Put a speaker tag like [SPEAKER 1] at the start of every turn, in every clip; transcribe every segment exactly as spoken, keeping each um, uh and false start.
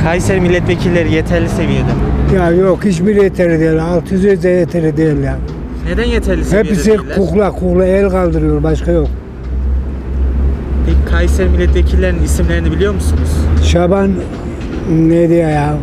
[SPEAKER 1] Kayseri milletvekilleri yeterli seviyede mi?
[SPEAKER 2] Ya yok, hiçbir yeterli değil. altı yüz de yeterli değil ya.
[SPEAKER 1] Neden yeterli seviyede
[SPEAKER 2] Hepsi
[SPEAKER 1] değiller?
[SPEAKER 2] kukla kukla el kaldırıyor, başka yok.
[SPEAKER 1] Peki Kayseri milletvekillerinin isimlerini biliyor musunuz?
[SPEAKER 2] Şaban neydi ya?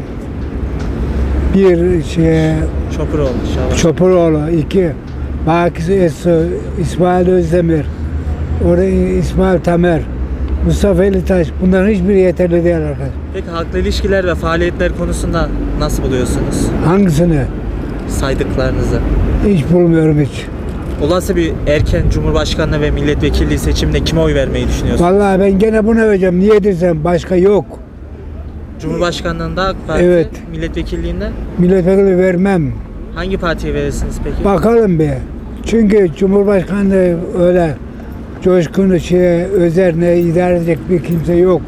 [SPEAKER 2] Bir şey
[SPEAKER 1] Çopuroğlu, Şaban.
[SPEAKER 2] Çopuroğlu, iki Bakis Esso, İsmail Özdemir, orada İsmail Tamer, Mustafa Elitaş, bunların hiçbiri yeterli değil arkadaş.
[SPEAKER 1] Peki halkla ilişkiler ve faaliyetler konusunda nasıl buluyorsunuz
[SPEAKER 2] Hangisini?
[SPEAKER 1] Saydıklarınızı.
[SPEAKER 2] Hiç bulmuyorum hiç.
[SPEAKER 1] Olası bir erken Cumhurbaşkanlığı ve milletvekilliği seçiminde kime oy vermeyi düşünüyorsunuz?
[SPEAKER 2] Vallahi ben gene bunu vereceğim. Niye desem başka yok.
[SPEAKER 1] Cumhurbaşkanlığında AK Parti,
[SPEAKER 2] Evet.
[SPEAKER 1] milletvekilliğinde
[SPEAKER 2] Milletvekili vermem.
[SPEAKER 1] hangi partiye verirsiniz peki?
[SPEAKER 2] Bakalım bir. Çünkü Cumhurbaşkanlığı öyle coşkunu şeye, özerine idare edecek bir kimse yok.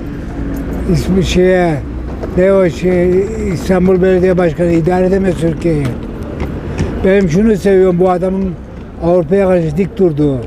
[SPEAKER 2] İsmi şeye, ne o şey, İstanbul Belediye Başkanı idare edemez Türkiye'yi. Benim şunu seviyorum, bu adamın Avrupa'ya karşı dik durduğu.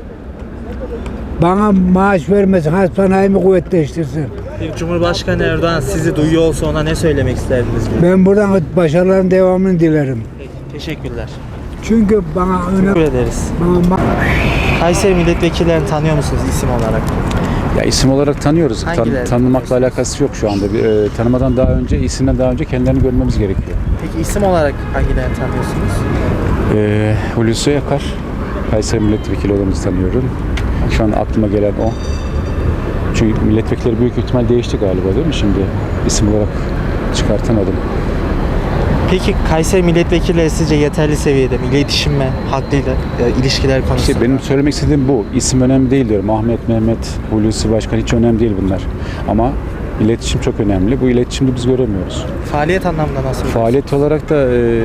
[SPEAKER 2] Bana maaş vermesin, hastanemi kuvvetleştirsin.
[SPEAKER 1] Peki Cumhurbaşkanı Erdoğan sizi duyuyor olsa ona ne söylemek isterdiniz?
[SPEAKER 2] Ben buradan başarıların devamını dilerim.
[SPEAKER 1] Peki, teşekkürler.
[SPEAKER 2] Çünkü bana
[SPEAKER 1] Teşekkür
[SPEAKER 2] önemli.
[SPEAKER 1] ederiz.
[SPEAKER 2] Bana
[SPEAKER 1] Kayseri milletvekillerini tanıyor musunuz isim olarak?
[SPEAKER 3] Ya isim olarak tanıyoruz. Tan-
[SPEAKER 1] Hangileri
[SPEAKER 3] tanımakla
[SPEAKER 1] tanıyorsunuz?
[SPEAKER 3] alakası yok şu anda. Bir, e, tanımadan daha önce, isimden daha önce kendilerini görmemiz gerekiyor.
[SPEAKER 1] Peki isim olarak hangilerini tanıyorsunuz?
[SPEAKER 3] E, Hulusi Akar, Kayseri milletvekili olduğumuzu tanıyorum. Şu an aklıma gelen o. Çünkü milletvekilleri büyük ihtimal değişti galiba, değil mi şimdi? İsim olarak çıkartamadım.
[SPEAKER 1] Peki Kayseri milletvekilleri sizce yeterli seviyede mi? İletişim ve halkla e, ilişkiler konusunda?
[SPEAKER 3] İşte benim söylemek istediğim bu. İsim önemli değil diyorum. Ahmet, Mehmet, Hulusi Başkan hiç önemli değil bunlar. Ama iletişim çok önemli. Bu iletişimde biz göremiyoruz.
[SPEAKER 1] Faaliyet anlamında nasıl?
[SPEAKER 3] Faaliyet olarak da e,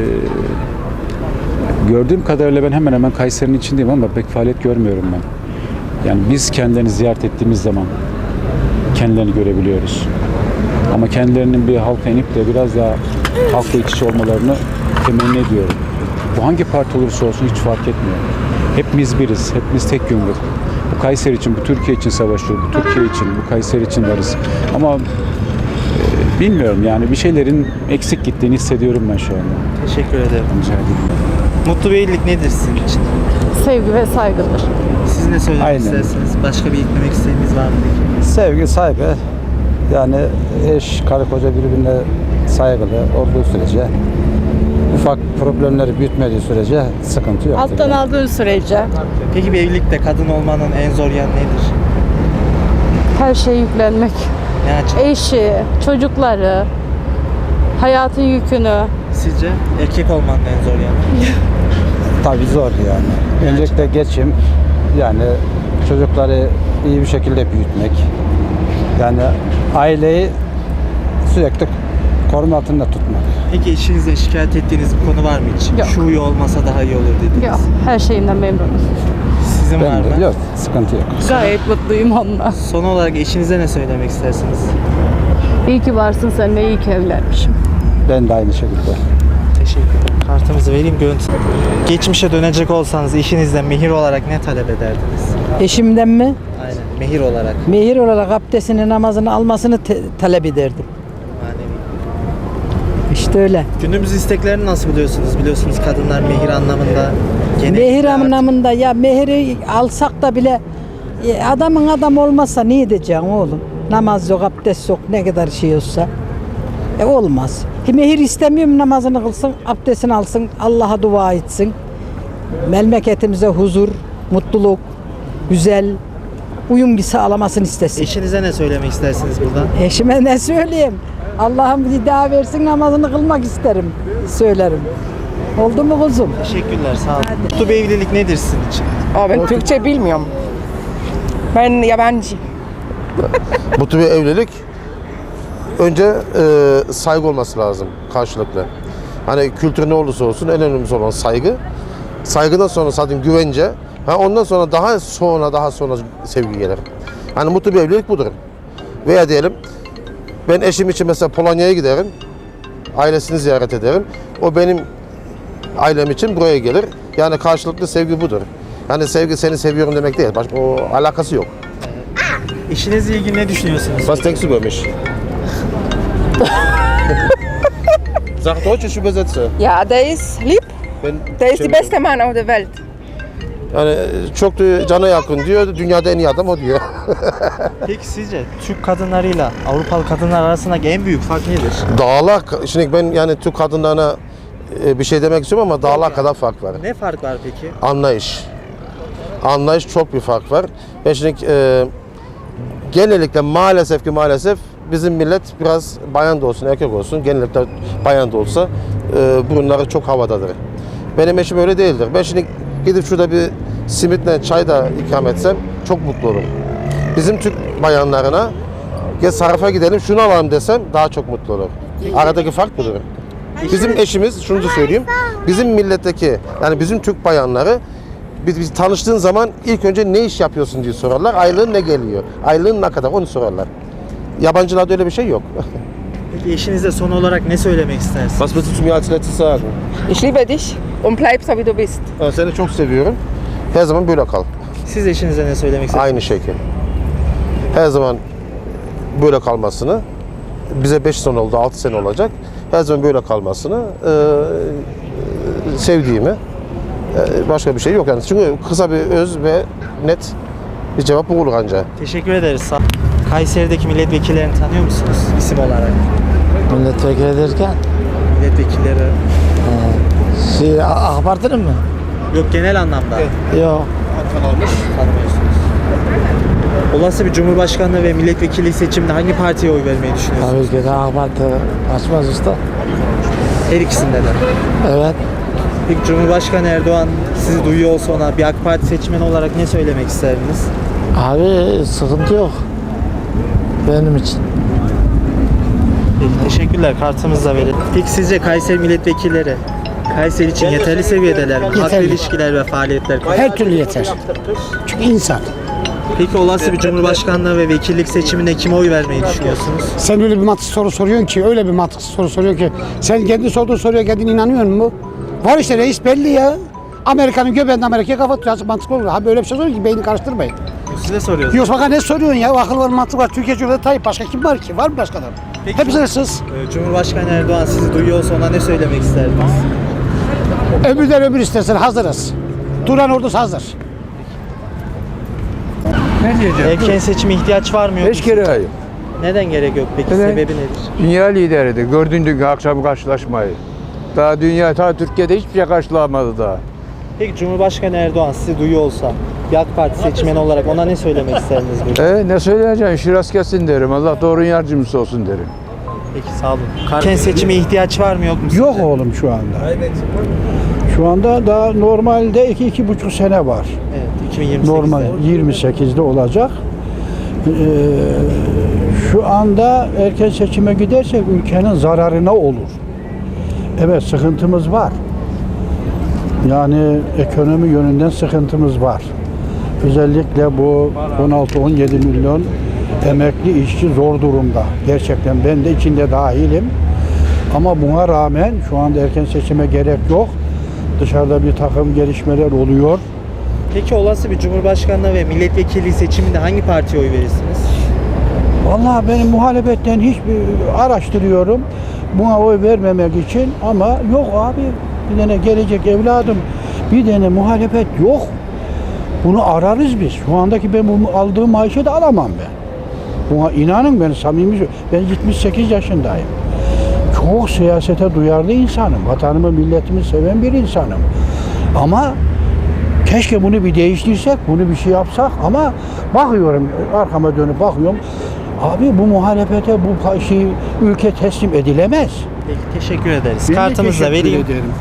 [SPEAKER 3] gördüğüm kadarıyla ben hemen hemen Kayseri'nin içindeyim ama pek faaliyet görmüyorum ben. Yani biz kendilerini ziyaret ettiğimiz zaman kendilerini görebiliyoruz. Ama kendilerinin bir halka inip de biraz daha halkla iç içe olmalarını temenni ediyorum. Bu hangi parti olursa olsun hiç fark etmiyor. Hepimiz biriz, hepimiz tek yumruk. Bu Kayseri için, bu Türkiye için savaşıyoruz, bu Türkiye için, bu Kayseri için varız. Ama e, bilmiyorum yani bir şeylerin eksik gittiğini hissediyorum ben şu anda.
[SPEAKER 1] Teşekkür ederim.
[SPEAKER 3] Rica ederim.
[SPEAKER 1] Mutlu bir evlilik nedir sizin için?
[SPEAKER 4] Sevgi ve saygıdır.
[SPEAKER 1] Siz ne söylemek
[SPEAKER 5] Aynen.
[SPEAKER 1] istersiniz? Başka bir eklemek isteğiniz var mı peki?
[SPEAKER 5] Sevgi, saygı, yani eş, karı koca birbirine saygılı olduğu sürece, ufak problemleri büyütmediği sürece sıkıntı yok.
[SPEAKER 4] Alttan aldığın sürece
[SPEAKER 1] Peki bir evlilikte kadın olmanın en zor yanı nedir?
[SPEAKER 4] her şeye yüklenmek.
[SPEAKER 1] Ne açıdan?
[SPEAKER 4] Eşi, çocukları, hayatın yükünü.
[SPEAKER 1] Sizce erkek olmanın en zor yanı?
[SPEAKER 5] Tabii zor yani. Öncelikle geçim, yani çocukları iyi bir şekilde büyütmek, yani aileyi sürekli koruma altında tutmak.
[SPEAKER 1] Peki eşinizle şikayet ettiğiniz bir konu var mı hiç?
[SPEAKER 4] Yok.
[SPEAKER 1] Şu huyu olmasa daha iyi olur dediniz.
[SPEAKER 4] Yok, her şeyinden memnunum.
[SPEAKER 1] Sizin var
[SPEAKER 5] Ben
[SPEAKER 1] mı?
[SPEAKER 5] de yok, sıkıntı yok.
[SPEAKER 4] Gayet mutluyum onunla.
[SPEAKER 1] Son olarak eşinize ne söylemek istersiniz?
[SPEAKER 4] İyi ki varsın sen ve iyi ki evlenmişim.
[SPEAKER 5] Ben de aynı şekilde.
[SPEAKER 1] Teşekkür ederim. Kartımızı vereyim, görüntü. Geçmişe dönecek olsanız eşinizden mehir olarak ne talep ederdiniz?
[SPEAKER 6] Eşimden mi?
[SPEAKER 1] Aynen, mehir olarak.
[SPEAKER 6] Mehir olarak abdestini, namazını almasını te- talep ederdim.
[SPEAKER 1] Manevi.
[SPEAKER 6] İşte öyle.
[SPEAKER 1] Günümüz isteklerini nasıl buluyorsunuz? Biliyorsunuz kadınlar mehir anlamında gene
[SPEAKER 6] Mehir anlamında ya mehiri alsak da bile e, adamın adam olmazsa ne edeceksin oğlum? Namaz yok, abdest yok, ne kadar şey olsa. E olmaz. E, mehir istemiyorum, namazını kılsın, abdestini alsın, Allah'a dua etsin. Memleketimize huzur, mutluluk, güzel uyum sağlamasını istesin.
[SPEAKER 1] Eşinize ne söylemek istersiniz buradan?
[SPEAKER 6] Eşime ne söyleyeyim? Allah'ım bir daha versin, namazını kılmak isterim. Söylerim. Oldu mu kuzum?
[SPEAKER 1] Teşekkürler, sağ olun. Mutlu bir evlilik nedir sizin için?
[SPEAKER 7] Aa, ben Türkçe bilmiyorum. Ben yabancı.
[SPEAKER 8] Mutlu bir evlilik önce e, saygı olması lazım karşılıklı. Hani kültür ne olursa olsun en önemlisi olan saygı. Saygıdan sonra zaten güvence. Ha ondan sonra daha sonra daha sonra sevgi gelir. Hani mutlu bir evlilik budur. Veya diyelim ben eşim için mesela Polonya'ya giderim. Ailesini ziyaret ederim. O benim ailem için buraya gelir. Yani karşılıklı sevgi budur. Yani sevgi seni seviyorum demek değil. Başka o alakası yok.
[SPEAKER 1] Eşinizle ilgili ne düşünüyorsunuz?
[SPEAKER 8] Was denkst du über mich? Sag Deutsch, ich übersetze.
[SPEAKER 7] Ja, der ist lieb.
[SPEAKER 8] Ben
[SPEAKER 7] Der ist die beste Mann auf der Welt.
[SPEAKER 8] Yani çok da cana yakın diyor. Dünyada en iyi adam o diyor.
[SPEAKER 1] Peki sizce Türk kadınlarıyla Avrupalı kadınlar arasındaki en büyük fark nedir?
[SPEAKER 8] Dağlar, şimdi ben yani Türk kadınlarına e, bir şey demek istiyorum ama dağlar kadar fark var.
[SPEAKER 1] Ne fark var peki?
[SPEAKER 8] Anlayış. Anlayış çok bir fark var. Ben şimdi e, genellikle maalesef ki maalesef bizim millet biraz bayan da olsun erkek olsun genellikle bayan da olsa e, burunları çok havadadır. Benim eşim öyle değildir. Ben şimdi gidip şurada bir simitle çay da ikram etsem çok mutlu olurum. Bizim Türk bayanlarına gel sarrafa gidelim şunu alalım desem daha çok mutlu olur. Aradaki fark budur. Bizim eşimiz şunu da söyleyeyim. Bizim milletteki yani bizim Türk bayanları biz, biz tanıştığın zaman ilk önce ne iş yapıyorsun diye sorarlar. Aylığın ne geliyor? Aylığın ne kadar? Onu sorarlar. Yabancılarda öyle bir şey yok.
[SPEAKER 1] Peki eşinize son olarak ne söylemek istersiniz?
[SPEAKER 8] Was willst du zu mir als letztes sagen?
[SPEAKER 7] Ich liebe dich und bleib so wie du bist.
[SPEAKER 8] Ben seni çok seviyorum. Her zaman böyle kal.
[SPEAKER 1] Siz eşinize ne söylemek istersiniz?
[SPEAKER 8] Aynı şekil. Her zaman böyle kalmasını, bize beş sene oldu, altı sene olacak. Her zaman böyle kalmasını e, e, sevdiğimi, e, başka bir şey yok yani. Çünkü kısa bir öz ve net bir cevap bu olur ancak.
[SPEAKER 1] Teşekkür ederiz. Sağ- Kayseri'deki milletvekillerini tanıyor musunuz isim olarak?
[SPEAKER 9] Milletvekili derken
[SPEAKER 1] Milletvekilleri
[SPEAKER 9] şey, AK Parti'nin mi?
[SPEAKER 1] yok genel anlamda
[SPEAKER 9] Yok.
[SPEAKER 1] tanımıyorsunuz. Olası bir cumhurbaşkanlığı ve milletvekili seçiminde hangi partiye oy vermeyi düşünüyorsunuz?
[SPEAKER 9] Tabii ki de AK Parti açmaz usta.
[SPEAKER 1] Her ikisinde de.
[SPEAKER 9] Evet.
[SPEAKER 1] Peki Cumhurbaşkanı Erdoğan sizi duyuyor olsa ona bir AK Parti seçmeni olarak ne söylemek isterdiniz?
[SPEAKER 9] Abi sıkıntı yok. Benim için.
[SPEAKER 1] Peki, teşekkürler. Kartımızı da verelim. Peki sizce Kayseri milletvekilleri Kayseri için yeterli seviyedeler mi? Halkla
[SPEAKER 10] Yeterli.
[SPEAKER 1] ilişkiler ve faaliyetler.
[SPEAKER 10] Her türlü yeter. Çünkü insan.
[SPEAKER 1] Peki olası bir cumhurbaşkanlığı ve vekillik seçiminde kime oy vermeyi düşünüyorsunuz?
[SPEAKER 10] Sen öyle bir mantıksız soru soruyorsun ki, öyle bir mantıksız soru soruyor ki, sen kendi sorduğun soruya kendin inanıyor musun? Var işte reis belli ya. Amerika'nın göbeğinde Amerika'ya kafa tutuyor. Mantıklı olur. Ha böyle bir şey soruyor ki beyni karıştırmayın.
[SPEAKER 1] Size soruyoruz.
[SPEAKER 10] Yoksa bak ne soruyorsun ya? Akıl var, mantık var. Türkiye Cumhuriyeti Tayyip. Başka kim var ki? Var mı başka adam?
[SPEAKER 1] Peki.
[SPEAKER 10] Hepsi hırsız.
[SPEAKER 1] Ee, Cumhurbaşkanı Erdoğan sizi duyuyor olsa ona ne söylemek isterdiniz?
[SPEAKER 10] Ömürden ömür istersen hazırız. Duran ordusu hazır.
[SPEAKER 11] Ne diyeceğim?
[SPEAKER 1] Erken seçime ihtiyaç var mı yok
[SPEAKER 11] Hiç
[SPEAKER 1] mu?
[SPEAKER 11] kere hayır.
[SPEAKER 1] Neden gerek yok peki?
[SPEAKER 11] Neden?
[SPEAKER 1] Sebebi nedir?
[SPEAKER 11] Dünya lideridir. Gördün dünkü akşam karşılaşmayı. Daha dünya, ta Türkiye'de hiçbir şey karşılamadı daha.
[SPEAKER 1] Peki Cumhurbaşkanı Erdoğan sizi duyuyor olsa bir AK Parti seçmeni olarak ona ne söylemek isterdiniz? Böyle?
[SPEAKER 11] E ne söyleyeceksin? Şiraz kesin derim. Allah doğru yardımcısı olsun derim.
[SPEAKER 1] Peki sağ olun. Erken seçime ihtiyaç var mı yok mu?
[SPEAKER 2] Yok
[SPEAKER 1] sizce?
[SPEAKER 2] oğlum şu anda. Şu anda daha normalde iki iki buçuk sene var.
[SPEAKER 1] Evet, iki bin yirmi sekizde.
[SPEAKER 2] Normal yirmi sekizde olacak. Ee, şu anda erken seçime gidersek ülkenin zararına olur. Evet sıkıntımız var. Yani ekonomi yönünden sıkıntımız var. Özellikle bu on altı on yedi milyon emekli işçi zor durumda. Gerçekten ben de içinde dahilim. Ama buna rağmen şu anda erken seçime gerek yok. Dışarıda bir takım gelişmeler oluyor.
[SPEAKER 1] Peki olası bir Cumhurbaşkanlığı ve milletvekili seçiminde hangi partiye oy verirsiniz?
[SPEAKER 2] Vallahi benim muhalefetten hiçbir araştırıyorum. Buna oy vermemek için ama yok abi. Bir tane gelecek evladım. Bir tane muhalefet yok. Bunu ararız biz. Şu andaki ben bu aldığım maaşı da alamam ben. Buna inanın ben samimi ben yetmiş sekiz yaşındayım. Çok siyasete duyarlı insanım. Vatanımı, milletimi seven bir insanım. Ama keşke bunu bir değiştirsek, bunu bir şey yapsak ama bakıyorum, arkama dönüp bakıyorum. Abi bu muhalefete, bu şey, ülke teslim edilemez.
[SPEAKER 1] Peki teşekkür ederiz.
[SPEAKER 2] Ben de
[SPEAKER 1] Kartımızı da
[SPEAKER 2] teşekkür
[SPEAKER 1] vereyim.
[SPEAKER 2] ederim.